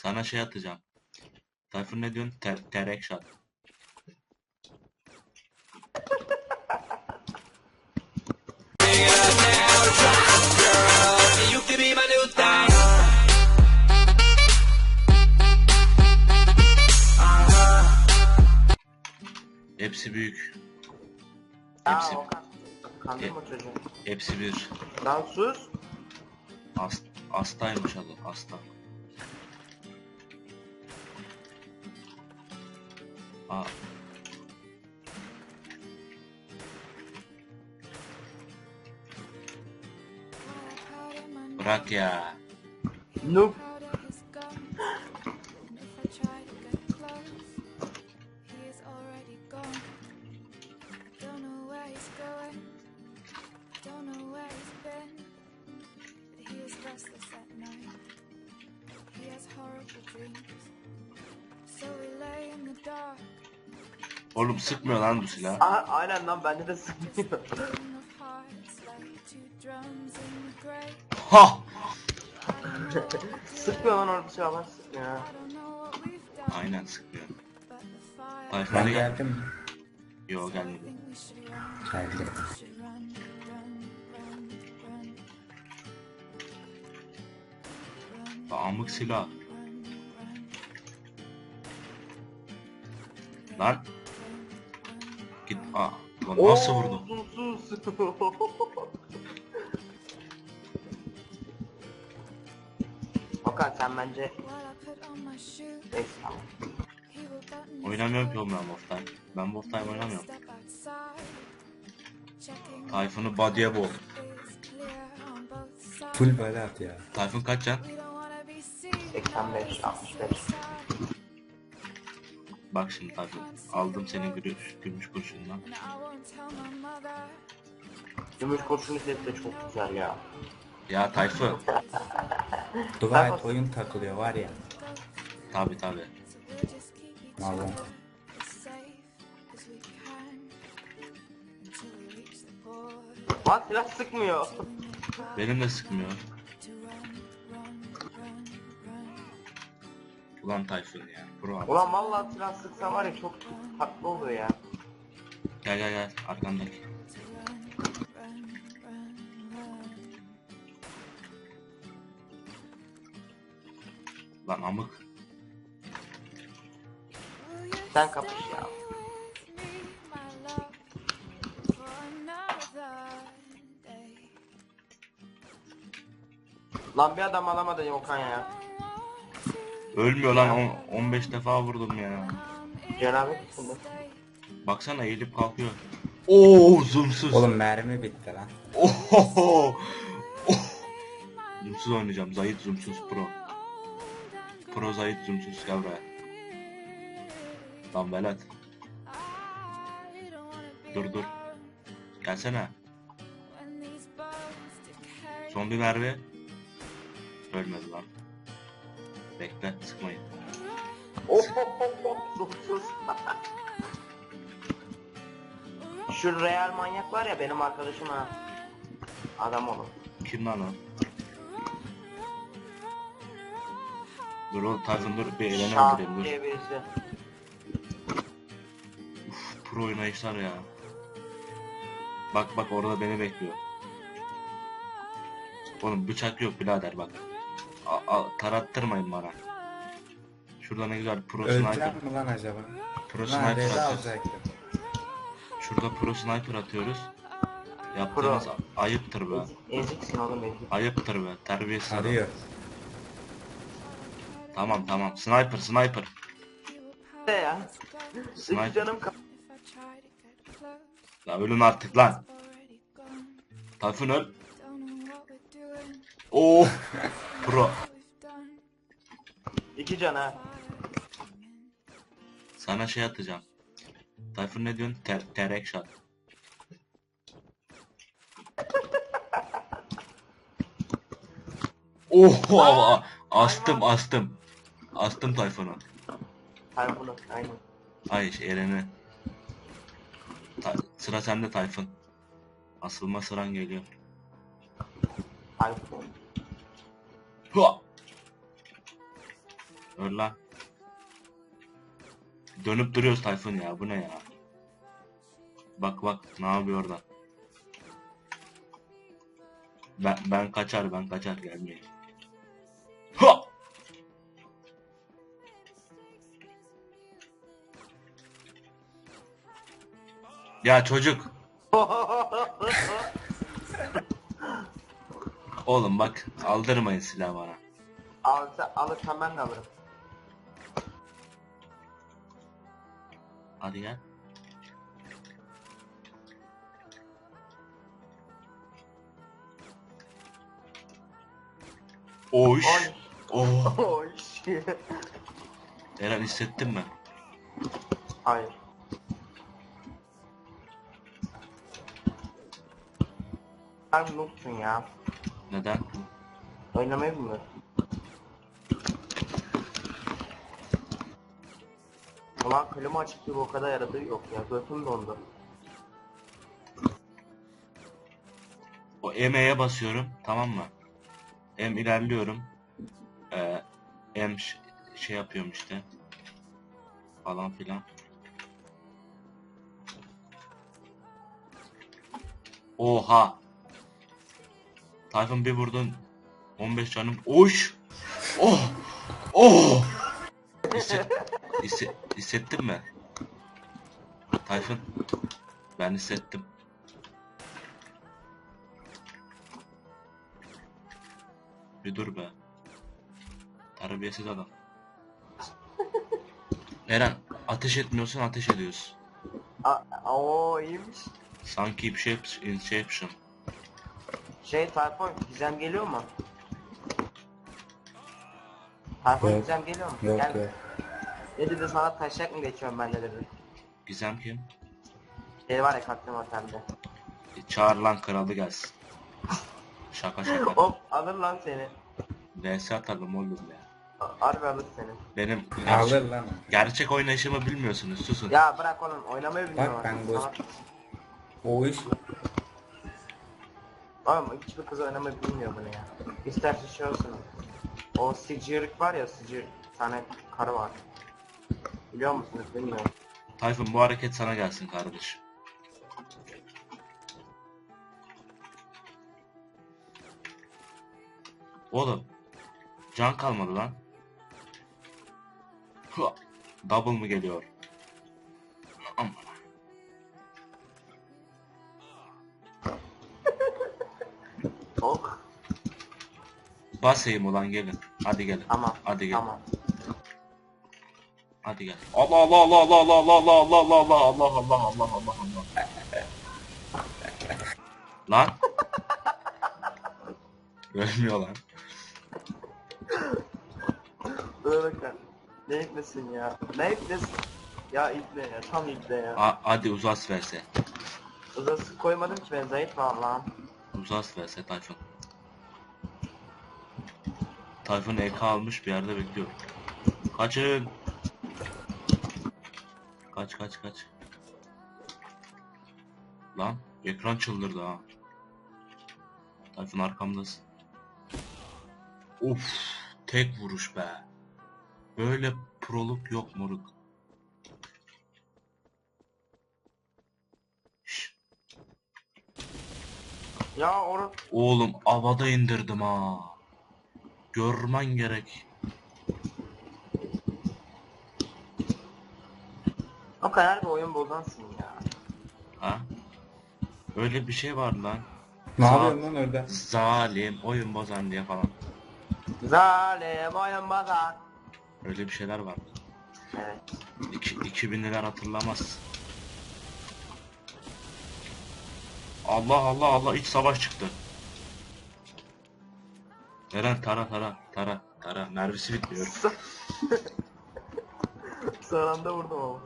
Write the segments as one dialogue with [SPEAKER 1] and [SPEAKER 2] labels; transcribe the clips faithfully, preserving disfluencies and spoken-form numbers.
[SPEAKER 1] Sana şey atacağım. Tayfun ne diyorsun? Ter terek shot. Hepsi büyük. Hepsi
[SPEAKER 2] Aa, Okan. Kandırma
[SPEAKER 1] e,
[SPEAKER 2] çocuğu.
[SPEAKER 1] hepsi bir.
[SPEAKER 2] Lan sus.
[SPEAKER 1] As, hastaymış adı. Hasta. Aa. Bırak ya.
[SPEAKER 2] Noob.
[SPEAKER 1] Oğlum sıkmıyor lan bu silah.
[SPEAKER 2] Aha, aynen lan bende de sıkmıyor.
[SPEAKER 1] Ha!
[SPEAKER 2] Sıkmıyor lan orada silahlar sıkmıyor ha.
[SPEAKER 1] Aynen sıkmıyor. Tayfun
[SPEAKER 3] Ben
[SPEAKER 1] hadi gel.
[SPEAKER 3] geldim.
[SPEAKER 1] Yo gelmedi.
[SPEAKER 3] Geldim.
[SPEAKER 1] Amık silah. Lan. Git. Aa. Lan nasıl vurdum?
[SPEAKER 2] Sus sus. Okan sen bence... Neyse tamam.
[SPEAKER 1] Oynamıyorum ki oğlum ben Wolf Time. Ben Wolf Time oynamıyorum. Tayfun'u body'e boğ.
[SPEAKER 3] Full böyle at ya.
[SPEAKER 1] Tayfun kaç can?
[SPEAKER 2] seksen beş altmış beş.
[SPEAKER 1] Bak şimdi Tayfun. Aldım senin gümüş, gümüş kurşundan.
[SPEAKER 2] Gümüş kurşun sesi de çok güzel ya.
[SPEAKER 1] Ya Tayfun.
[SPEAKER 3] Dua et oyun takılıyor var ya.
[SPEAKER 1] Tabi tabi.
[SPEAKER 3] Vallahi.
[SPEAKER 2] Lan silah sıkmıyor.
[SPEAKER 1] Benim de sıkmıyor. Ulan Tayfun ya. Bro abi.
[SPEAKER 2] Ulan vallahi silah sıksa var ya çok tatlı oluyor ya.
[SPEAKER 1] Gel gel gel. Arkandaki. Lan amık.
[SPEAKER 2] Sen kapış ya. Lan bir adam alamadın Okan ya.
[SPEAKER 1] Ölmüyor lan. on- 15 defa vurdum ya.
[SPEAKER 2] Cenabet içinde.
[SPEAKER 1] Baksana eğilip kalkıyor. Oo zoomsuz.
[SPEAKER 3] Oğlum mermi bitti lan.
[SPEAKER 1] Ohoho. Oh. Zoomsuz oynayacağım. Zahit zoomsuz pro. Pro Zahit zoomsuz gel buraya. Lan velet. Dur dur. Gelsene. Son bir mermi. Ölmedi lan. Bekle sıkmayın.
[SPEAKER 2] Oh oh oh oh sus. Şu real manyak var ya benim arkadaşım ha. Adam olur.
[SPEAKER 1] Kim lan o? Dur oğlum Tayfun dur bir elini
[SPEAKER 2] Şah
[SPEAKER 1] öldüreyim dur.
[SPEAKER 2] diye birisi.
[SPEAKER 1] Uf, pro oynayışlar ya. Bak bak orada beni bekliyor. Oğlum bıçak yok birader bak. A, a, tarattırmayın bana. Şurada ne güzel pro sniper.
[SPEAKER 3] Öleceğim mi lan acaba?
[SPEAKER 1] Pro
[SPEAKER 3] Lan
[SPEAKER 1] sniper
[SPEAKER 3] reza
[SPEAKER 1] atıyoruz.
[SPEAKER 3] alacaktım.
[SPEAKER 1] Şurada pro sniper atıyoruz. Yaptığınız
[SPEAKER 2] Pro.
[SPEAKER 1] ayıptır be.
[SPEAKER 2] Ezik, eziksin oğlum ezik.
[SPEAKER 1] Ayıptır be. Terbiyesiz adam.
[SPEAKER 3] Arıyor.
[SPEAKER 1] Tamam tamam. Sniper sniper.
[SPEAKER 2] Ne ya?
[SPEAKER 1] Sniper.
[SPEAKER 2] Sık canım kap.
[SPEAKER 1] Ya ölün artık lan. Tayfun öl. Oo. Pro.
[SPEAKER 2] İki can ha.
[SPEAKER 1] Sana şey atacağım. Tayfun ne diyorsun? Ter terek shot. Oho astım astım. Astım Tayfun'u.
[SPEAKER 2] Hayır bunu aynen.
[SPEAKER 1] Ay şey, Eren'i. Ta sıra sende Tayfun. Asılma sıran geliyor.
[SPEAKER 2] Hayır.
[SPEAKER 1] Hua! Öl lan. Dönüp duruyoruz Tayfun ya. Bu ne ya? Bak bak ne yapıyor orada. Ben, ben kaçar ben kaçar gelmeyin. Ha! Ya çocuk. Oğlum bak aldırmayın silahı bana.
[SPEAKER 2] Alırsa, alırsan ben de alırım.
[SPEAKER 1] Hadi gel. Oş.
[SPEAKER 2] Oy.
[SPEAKER 1] Oh.
[SPEAKER 2] Oy.
[SPEAKER 1] Eren hissettin mi?
[SPEAKER 2] Hayır. Sen noobsun ya.
[SPEAKER 1] Neden?
[SPEAKER 2] Oynamayı bilmiyorsun. Ulan klima açık gibi o kadar yaradığı yok ya. Götüm dondu.
[SPEAKER 1] O M'ye basıyorum tamam mı? M ilerliyorum. Ee, M ş- şey yapıyorum işte. Falan filan. Oha. Tayfun bir vurdun. on beş canım. Oş. Oh. Oh. Hisset, hisse- hissettin mi? Tayfun. Ben hissettim. Bir dur be. Terbiyesiz adam. Eren ateş etmiyorsun ateş ediyorsun.
[SPEAKER 2] A o iyiymiş.
[SPEAKER 1] Sanki bir şey yap- şey yapmışım.
[SPEAKER 2] Şey Tayfun gizem geliyor mu? Tayfun
[SPEAKER 3] Yok.
[SPEAKER 2] gizem geliyor mu?
[SPEAKER 3] Yok
[SPEAKER 2] Gel.
[SPEAKER 3] yok.
[SPEAKER 2] Ne dedi sana taşak mı geçiyorum ben de dedi.
[SPEAKER 1] Gizem kim?
[SPEAKER 2] Şey var ya Kaptan Otelde.
[SPEAKER 1] E, çağır lan kralı gelsin. Şaka şaka.
[SPEAKER 2] Hop alır lan seni.
[SPEAKER 1] V S atalım oğlum ya.
[SPEAKER 2] A- Harbi alır seni.
[SPEAKER 1] Benim
[SPEAKER 3] Alır
[SPEAKER 1] gerçek,
[SPEAKER 3] lan.
[SPEAKER 1] gerçek oynayışımı bilmiyorsunuz susun.
[SPEAKER 2] Ya bırak oğlum oynamayı bilmiyorum.
[SPEAKER 3] Bak ben
[SPEAKER 2] artık.
[SPEAKER 3] boş.
[SPEAKER 2] Salak.
[SPEAKER 3] O iş
[SPEAKER 2] Oğlum hiçbir kız oynamayı bilmiyor bunu ya. İsterse şey olsun. O Sicirlik var ya Sicir. Bir tane karı var. Biliyor musunuz bilmiyorum.
[SPEAKER 1] Tayfun bu hareket sana gelsin kardeş. Oğlum. Can kalmadı lan. Hua, double mı geliyor? Aman.
[SPEAKER 2] Ok.
[SPEAKER 1] Basayım ulan gelin. Hadi gelin.
[SPEAKER 2] Tamam.
[SPEAKER 1] Hadi gel.
[SPEAKER 2] Tamam.
[SPEAKER 1] Hadi gel. Allah Allah Allah Allah Allah Allah Allah Allah Allah Allah Allah Allah Allah Allah. Lan. Ölmüyor lan.
[SPEAKER 2] Dur bakın. Ne ipnesin ya? Ne ipnesin? Ya ipne ya. Tam ipne ya.
[SPEAKER 1] A hadi uzas verse.
[SPEAKER 2] Uzası koymadım ki ben zayıf var lan.
[SPEAKER 1] Uzas verse Tayfun. Tayfun E K almış bir yerde bekliyor. Kaçın. Kaç kaç kaç. Lan ekran çıldırdı ha. Tayfun arkamdasın. Of tek vuruş be. Böyle proluk yok moruk. Şş,
[SPEAKER 2] Ya oru
[SPEAKER 1] oğlum havada indirdim ha. Görmen gerek.
[SPEAKER 2] o kadar bir oyun bozansın ya.
[SPEAKER 1] Ha? Öyle bir şey var lan.
[SPEAKER 3] ne
[SPEAKER 1] Za-
[SPEAKER 3] yapıyorsun lan orada?
[SPEAKER 1] Zalim oyun bozan diye falan.
[SPEAKER 2] Zalim oyun bozan.
[SPEAKER 1] Öyle bir şeyler var.
[SPEAKER 2] Evet.
[SPEAKER 1] İki, iki binliler hatırlamaz. Allah Allah Allah iç savaş çıktı. Eren tara tara tara tara mermisi bitmiyor.
[SPEAKER 2] Son anda vurdum ama.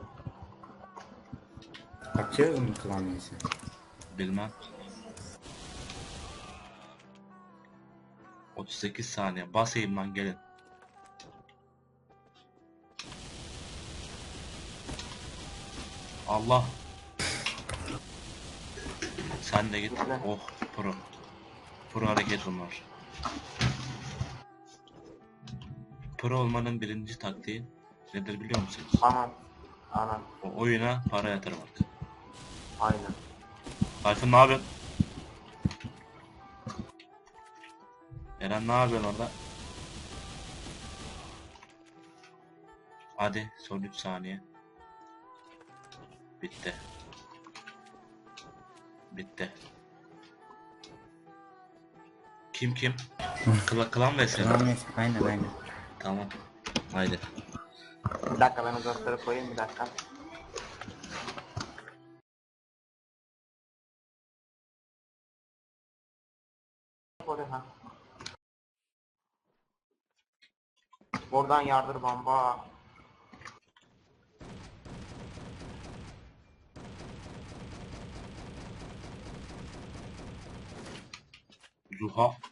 [SPEAKER 3] Açıyoruz mu klavyeyi?
[SPEAKER 1] Bilmem. otuz sekiz saniye basayım lan gelin. Allah. Sen de git.
[SPEAKER 2] Gitme.
[SPEAKER 1] Oh pro. Pro hareket bunlar. pro olmanın birinci taktiği nedir biliyor musunuz?
[SPEAKER 2] Anam. Anam.
[SPEAKER 1] O oyuna para yatırmak.
[SPEAKER 2] Aynen.
[SPEAKER 1] Tayfun ne yapıyorsun? Eren ne yapıyorsun orada? Hadi son üç saniye. Bitti. Bitti. Kim kim? Kla klan vs.
[SPEAKER 3] Tamam neyse, aynen aynen.
[SPEAKER 1] Tamam. Haydi.
[SPEAKER 2] Bir dakika ben o dostları koyayım bir dakika. Oraya ha. Oradan yardır bamba.
[SPEAKER 1] Zuha.